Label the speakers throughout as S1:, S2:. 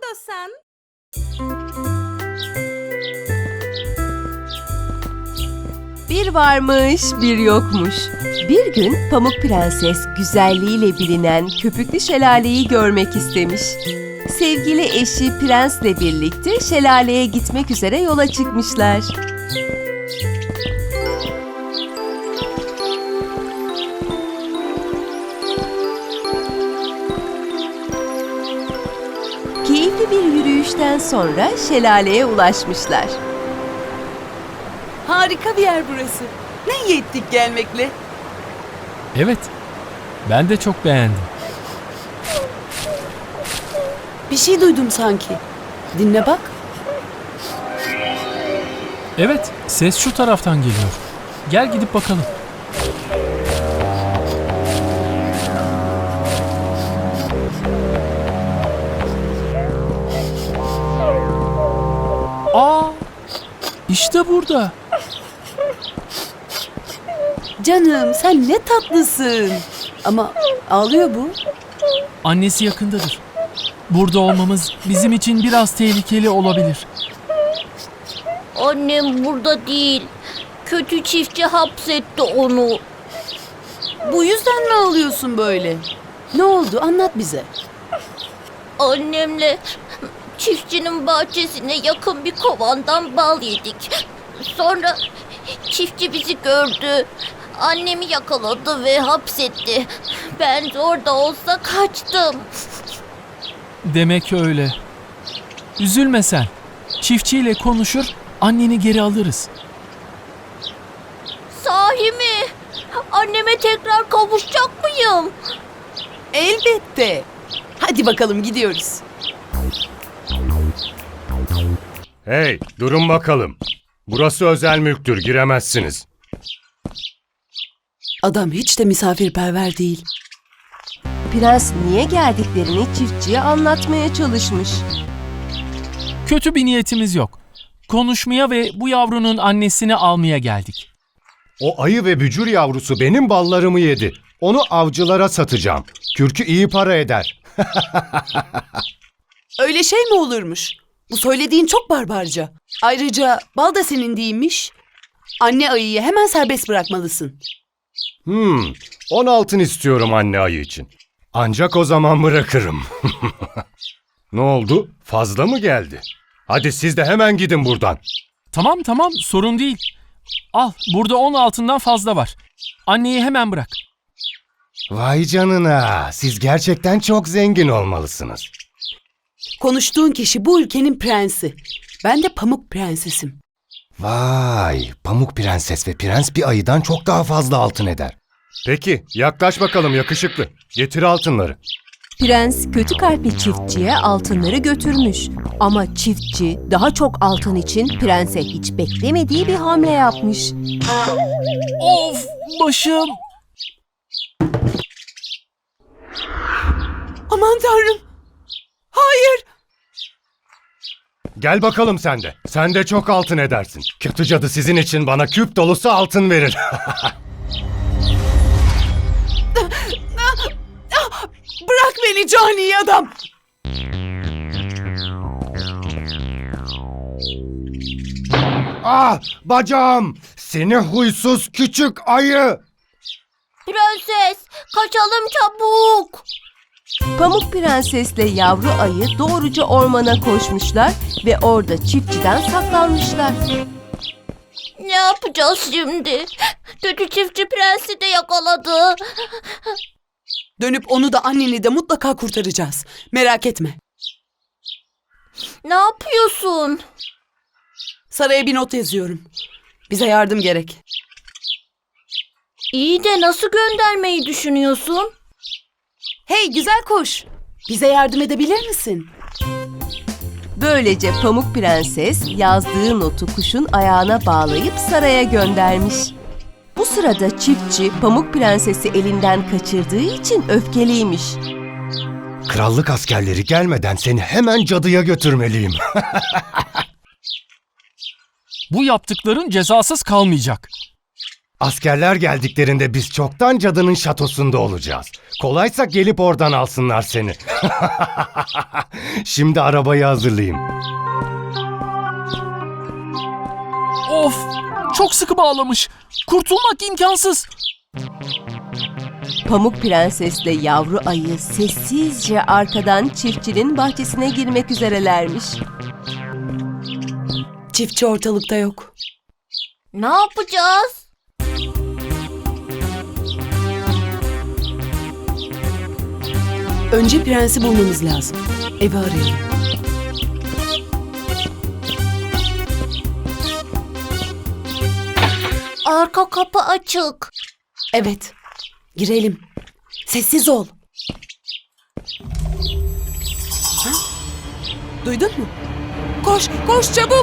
S1: istiyorsan.
S2: Bir varmış, bir yokmuş. Bir gün Pamuk Prenses güzelliğiyle bilinen Köpüklü Şelale'yi görmek istemiş. Sevgili eşi Prens'le birlikte şelaleye gitmek üzere yola çıkmışlar. Keyifli bir yürüyüşten sonra şelaleye ulaşmışlar.
S1: Harika bir yer burası. Ne iyi ettik gelmekle.
S3: Evet, ben de çok beğendim.
S1: Bir şey duydum sanki. Dinle bak.
S3: Evet, ses şu taraftan geliyor. Gel gidip bakalım. Aa! İşte burada.
S1: Canım sen ne tatlısın. Ama ağlıyor bu.
S3: Annesi yakındadır. Burada olmamız bizim için biraz tehlikeli olabilir.
S4: Annem burada değil. Kötü çiftçi hapsetti onu.
S1: Bu yüzden mi ağlıyorsun böyle? Ne oldu anlat bize.
S4: Annemle çiftçinin bahçesine yakın bir kovandan bal yedik. Sonra çiftçi bizi gördü. Annemi yakaladı ve hapsetti. Ben de orada olsa kaçtım.
S3: Demek öyle. Üzülme sen. Çiftçiyle konuşur, anneni geri alırız.
S4: Sahi mi? Anneme tekrar kavuşacak mıyım?
S1: Elbette. Hadi bakalım gidiyoruz.
S5: Hey, durun bakalım. Burası özel mülktür, giremezsiniz.
S1: Adam hiç de misafirperver değil.
S2: Prens niye geldiklerini çiftçiye anlatmaya çalışmış.
S3: Kötü bir niyetimiz yok. Konuşmaya ve bu yavrunun annesini almaya geldik.
S5: O ayı ve bücür yavrusu benim ballarımı yedi. Onu avcılara satacağım. Kürkü iyi para eder.
S1: Öyle şey mi olurmuş? Bu söylediğin çok barbarca. Ayrıca bal da senin değilmiş. Anne ayıyı hemen serbest bırakmalısın.
S5: 10 altın istiyorum anne ayı için. Ancak o zaman bırakırım. Ne oldu? Fazla mı geldi? Hadi siz de hemen gidin buradan.
S3: Tamam sorun değil. Al burada 10 altından fazla var. Anneyi hemen bırak.
S5: Vay canına, siz gerçekten çok zengin olmalısınız.
S1: Konuştuğun kişi bu ülkenin prensi. Ben de Pamuk Prensesim.
S5: Vay, Pamuk Prenses ve Prens bir ayıdan çok daha fazla altın eder. Peki, yaklaş bakalım yakışıklı. Getir altınları.
S2: Prens kötü kalpli çiftçiye altınları götürmüş. Ama çiftçi daha çok altın için prense hiç beklemediği bir hamle yapmış.
S3: Of başım.
S1: Aman tanrım. Hayır.
S5: Gel bakalım sen de. Sen de çok altın edersin. Kötü cadı sizin için bana küp dolusu altın verir.
S1: Bırak beni cani adam.
S5: Ah, bacağım! Seni huysuz küçük ayı!
S4: Prenses, kaçalım çabuk.
S2: Pamuk Prensesle yavru ayı doğruca ormana koşmuşlar ve orada çiftçiden saklanmışlar.
S4: Ne yapacağız şimdi? Kötü çiftçi prensi de yakaladı.
S1: Dönüp onu da anneni de mutlaka kurtaracağız. Merak etme.
S4: Ne yapıyorsun?
S1: Saraya bir not yazıyorum. Bize yardım gerek.
S4: İyi de nasıl göndermeyi düşünüyorsun?
S1: Hey güzel kuş. Bize yardım edebilir misin?
S2: Böylece Pamuk Prenses yazdığı notu kuşun ayağına bağlayıp saraya göndermiş. Bu sırada çiftçi Pamuk Prenses'i elinden kaçırdığı için öfkeliymiş.
S5: Krallık askerleri gelmeden seni hemen cadıya götürmeliyim.
S3: Bu yaptıkların cezasız kalmayacak.
S5: Askerler geldiklerinde biz çoktan cadının şatosunda olacağız. Kolaysa gelip oradan alsınlar seni. Şimdi arabayı hazırlayayım.
S3: Of! Çok sıkı bağlamış. Kurtulmak imkansız.
S2: Pamuk Prensesle yavru ayı sessizce arkadan çiftçinin bahçesine girmek üzerelermiş.
S1: Çiftçi ortalıkta yok.
S4: Ne yapacağız?
S1: Önce prensi bulmamız lazım. Evi arayalım.
S4: Arka kapı açık.
S1: Evet. Girelim. Sessiz ol. Ha? Duydun mu? Koş, koş çabuk.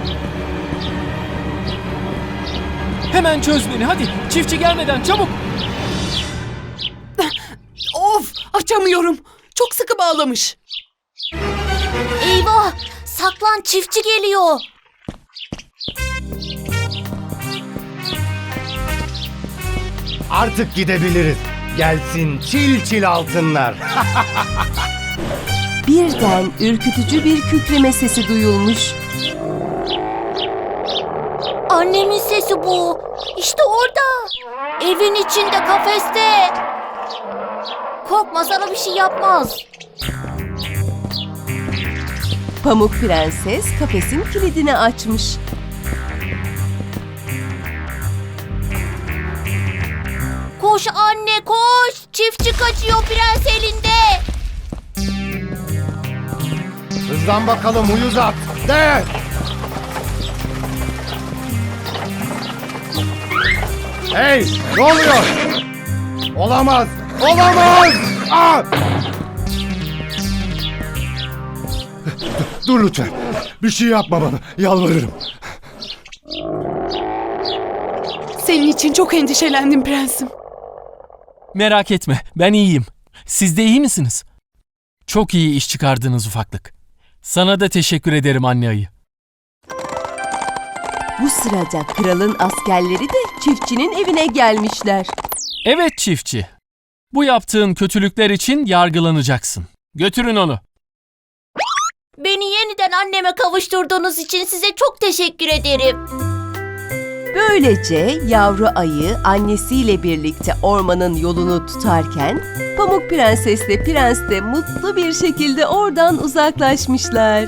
S3: Hemen çöz beni hadi. Çiftçi gelmeden çabuk.
S1: Of, açamıyorum. Çok sıkı bağlamış.
S4: Eyvah! Saklan, çiftçi geliyor.
S5: Artık gidebiliriz. Gelsin çil çil altınlar.
S2: Birden ürkütücü bir kükreme sesi duyulmuş.
S4: Annemin sesi bu. İşte orada. Evin içinde, kafeste. Korkma, sana bir şey yapmaz.
S2: Pamuk Prenses kafesin kilidini açmış.
S4: Koş anne, koş. Çiftçi kaçıyor, prens elinde.
S5: Hızlan bakalım uyuz at. De! Hey! Ne oluyor? Olamaz! Olamaz! Aa! Dur lütfen. Bir şey yapma bana. Yalvarırım.
S1: Senin için çok endişelendim prensim.
S3: Merak etme, ben iyiyim. Siz de iyi misiniz? Çok iyi iş çıkardınız ufaklık. Sana da teşekkür ederim anne ayı.
S2: Bu sırada kralın askerleri de çiftçinin evine gelmişler.
S3: Evet çiftçi. Bu yaptığın kötülükler için yargılanacaksın. Götürün onu.
S4: Beni yeniden anneme kavuşturduğunuz için size çok teşekkür ederim.
S2: Böylece yavru ayı annesiyle birlikte ormanın yolunu tutarken Pamuk Prensesle Prens de mutlu bir şekilde oradan uzaklaşmışlar.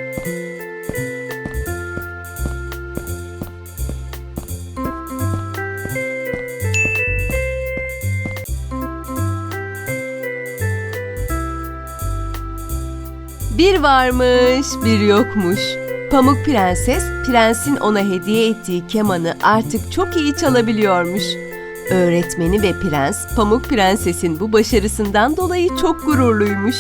S2: Bir varmış, bir yokmuş. Pamuk Prenses, prensin ona hediye ettiği kemanı artık çok iyi çalabiliyormuş. Öğretmeni ve prens, Pamuk Prenses'in bu başarısından dolayı çok gururluymuş.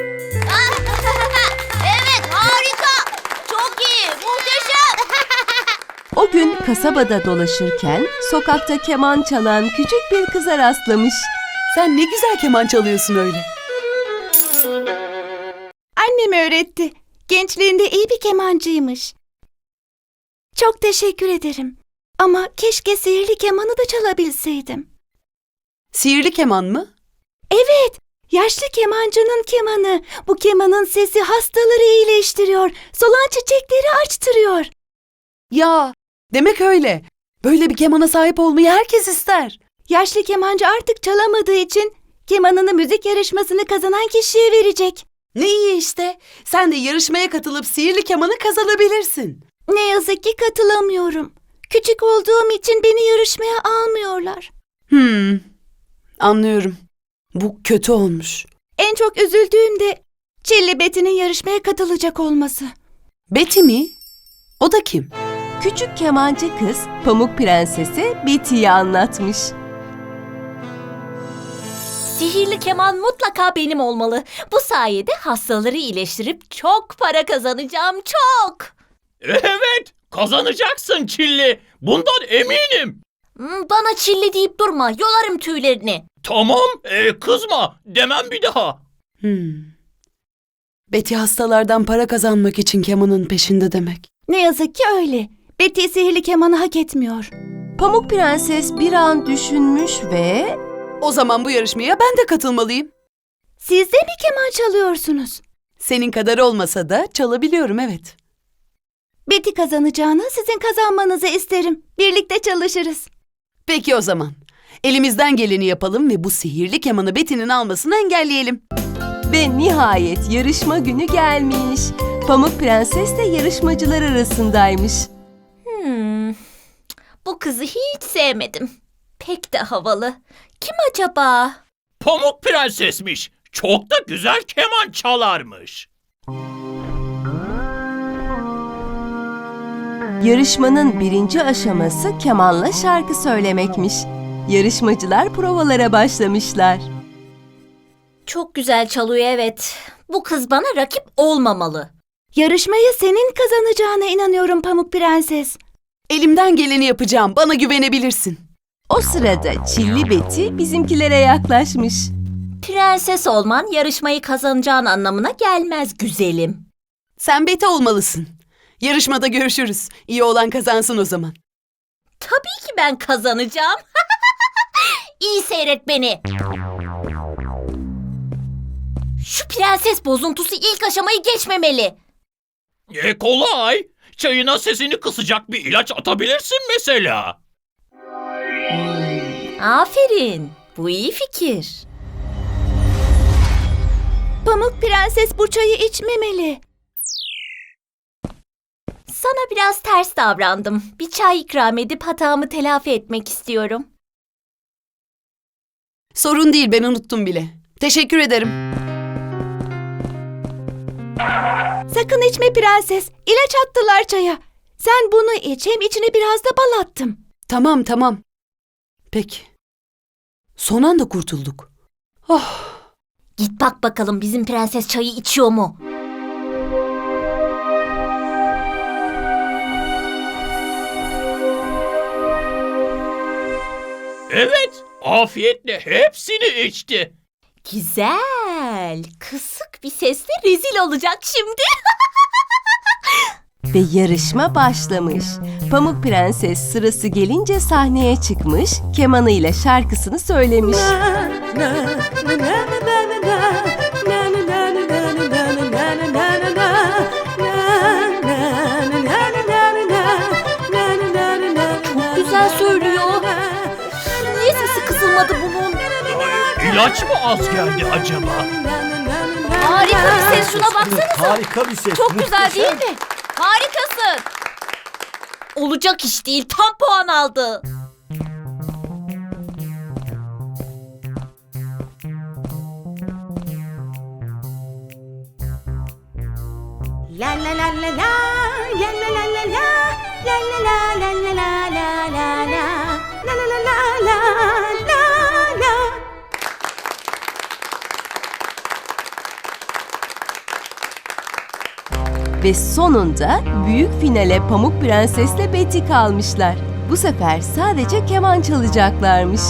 S4: Evet, harika. Çok iyi, muhteşem.
S2: O gün kasabada dolaşırken sokakta keman çalan küçük bir kıza rastlamış.
S1: Sen ne güzel keman çalıyorsun öyle.
S6: Annem öğretti. Gençliğinde iyi bir kemancıymış. Çok teşekkür ederim. Ama keşke sihirli kemanı da çalabilseydim.
S1: Sihirli keman mı?
S6: Evet, yaşlı kemancının kemanı. Bu kemanın sesi hastaları iyileştiriyor. Solan çiçekleri açtırıyor.
S1: Ya, demek öyle. Böyle bir kemana sahip olmayı herkes ister.
S6: Yaşlı kemancı artık çalamadığı için kemanını müzik yarışmasını kazanan kişiye verecek.
S1: Ne iyi işte. Sen de yarışmaya katılıp sihirli kemanı kazanabilirsin.
S6: Ne yazık ki katılamıyorum. Küçük olduğum için beni yarışmaya almıyorlar.
S1: Anlıyorum. Bu kötü olmuş.
S6: En çok üzüldüğüm de Çilli Betty'nin yarışmaya katılacak olması.
S1: Betty mi? O da kim?
S2: Küçük kemancı kız Pamuk Prenses'e Betty'yi anlatmış.
S4: Sihirli keman mutlaka benim olmalı. Bu sayede hastaları iyileştirip çok para kazanacağım, çok.
S7: Evet, kazanacaksın Çilli. Bundan eminim.
S4: Bana çilli deyip durma, yolarım tüylerini.
S7: Tamam, kızma. Demem bir daha.
S1: Betty hastalardan para kazanmak için kemanın peşinde demek.
S6: Ne yazık ki öyle. Betty sihirli kemanı hak etmiyor.
S2: Pamuk Prenses bir an düşünmüş ve
S1: O zaman bu yarışmaya ben de katılmalıyım.
S6: Siz de mi keman çalıyorsunuz?
S1: Senin kadar olmasa da çalabiliyorum, evet.
S6: Betty kazanacağını sizin kazanmanızı isterim. Birlikte çalışırız.
S1: Peki o zaman. Elimizden geleni yapalım ve bu sihirli kemanı Betty'nin almasını engelleyelim.
S2: ve nihayet yarışma günü gelmiş. Pamuk Prenses de yarışmacılar arasındaymış.
S4: Bu kızı hiç sevmedim. Pek de havalı. Kim acaba?
S7: Pamuk Prensesmiş. Çok da güzel keman çalarmış.
S2: Yarışmanın birinci aşaması kemanla şarkı söylemekmiş. Yarışmacılar provalara başlamışlar.
S4: Çok güzel çalıyor, evet. Bu kız bana rakip olmamalı.
S6: Yarışmayı senin kazanacağına inanıyorum Pamuk Prenses.
S1: Elimden geleni yapacağım. Bana güvenebilirsin.
S2: O sırada Çilli Betty bizimkilere yaklaşmış.
S4: Prenses olman yarışmayı kazanacağın anlamına gelmez güzelim.
S1: Sen Betty olmalısın. Yarışmada görüşürüz. İyi olan kazansın o zaman.
S4: Tabii ki ben kazanacağım. İyi seyret beni. Şu prenses bozuntusu ilk aşamayı geçmemeli.
S7: Kolay. Çayına sesini kısacak bir ilaç atabilirsin mesela.
S4: Aferin. Bu iyi fikir.
S6: Pamuk Prenses bu çayı içmemeli.
S4: Sana biraz ters davrandım. Bir çay ikram edip hatamı telafi etmek istiyorum.
S1: Sorun değil, ben unuttum bile. Teşekkür ederim.
S6: Sakın içme prenses. İlaç attılar çaya. Sen bunu iç, hem içine biraz da bal attım.
S1: Tamam. Peki. Son anda kurtulduk. Oh.
S4: Git bak bakalım bizim prenses çayı içiyor mu?
S7: Evet, afiyetle hepsini içti.
S4: Güzel. Kısık bir sesle rezil olacak şimdi.
S2: Ve yarışma başlamış. Pamuk Prenses sırası gelince sahneye çıkmış, kemanıyla şarkısını söylemiş.
S4: Çok güzel söylüyor. Niye sesi kısılmadı bunun?
S7: İlaç mı az geldi acaba?
S4: Harika bir ses, şuna baksanıza.
S8: Harika bir ses.
S4: Çok güzel değil mi? Harikasın. Olacak iş değil, tam puan aldı.
S6: La la la la la, la la la la la, la la la la la la la la la, la la la la la la.
S2: Ve sonunda büyük finale Pamuk Prenses'le Betty kalmışlar. Bu sefer sadece keman çalacaklarmış.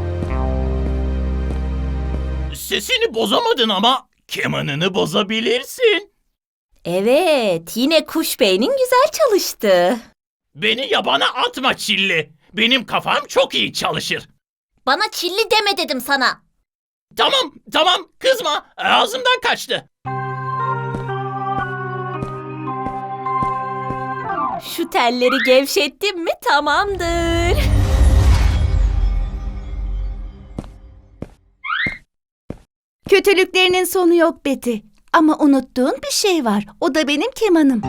S7: Sesini bozamadın ama kemanını bozabilirsin.
S4: Evet, yine kuş beynin güzel çalıştı.
S7: Beni yabana atma Çilli. Benim kafam çok iyi çalışır.
S4: Bana çilli deme dedim sana.
S7: Tamam kızma. Ağzımdan kaçtı.
S4: Şu telleri gevşettim mi tamamdır.
S6: Kötülüklerinin sonu yok Betty. Ama unuttuğun bir şey var. O da benim kemanım.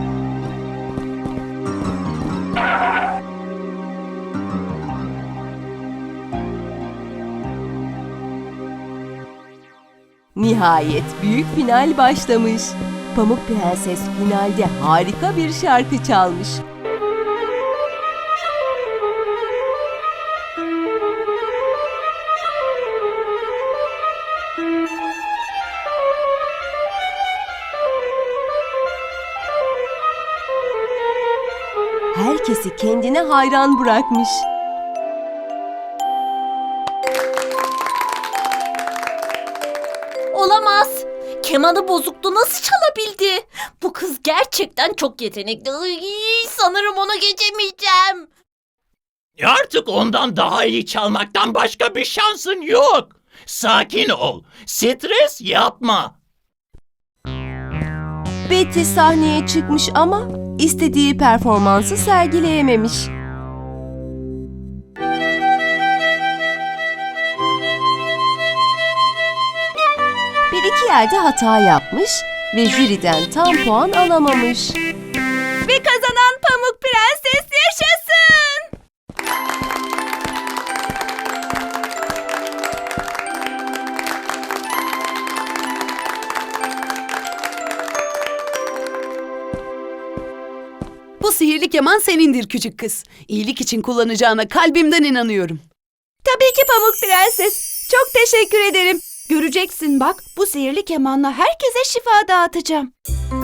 S2: Nihayet büyük final başlamış. Pamuk Prenses finalde harika bir şarkı çalmış. Herkesi kendine hayran bırakmış.
S4: Olamaz. Kemanı bozuktu, nasıl çalabildi? Bu kız gerçekten çok yetenekli. Sanırım onu geçemeyeceğim.
S7: Artık ondan daha iyi çalmaktan başka bir şansın yok. Sakin ol. Stres yapma.
S2: Betty sahneye çıkmış ama istediği performansı sergileyememiş. Bir iki yerde hata yapmış ve jüriden tam puan alamamış. Ve kazanan Pamuk Prenses yaşasın!
S1: Bu sihirli keman senindir küçük kız. İyilik için kullanacağına kalbimden inanıyorum.
S6: Tabii ki Pamuk Prenses. Çok teşekkür ederim. Göreceksin bak, bu sihirli kemanla herkese şifa dağıtacağım.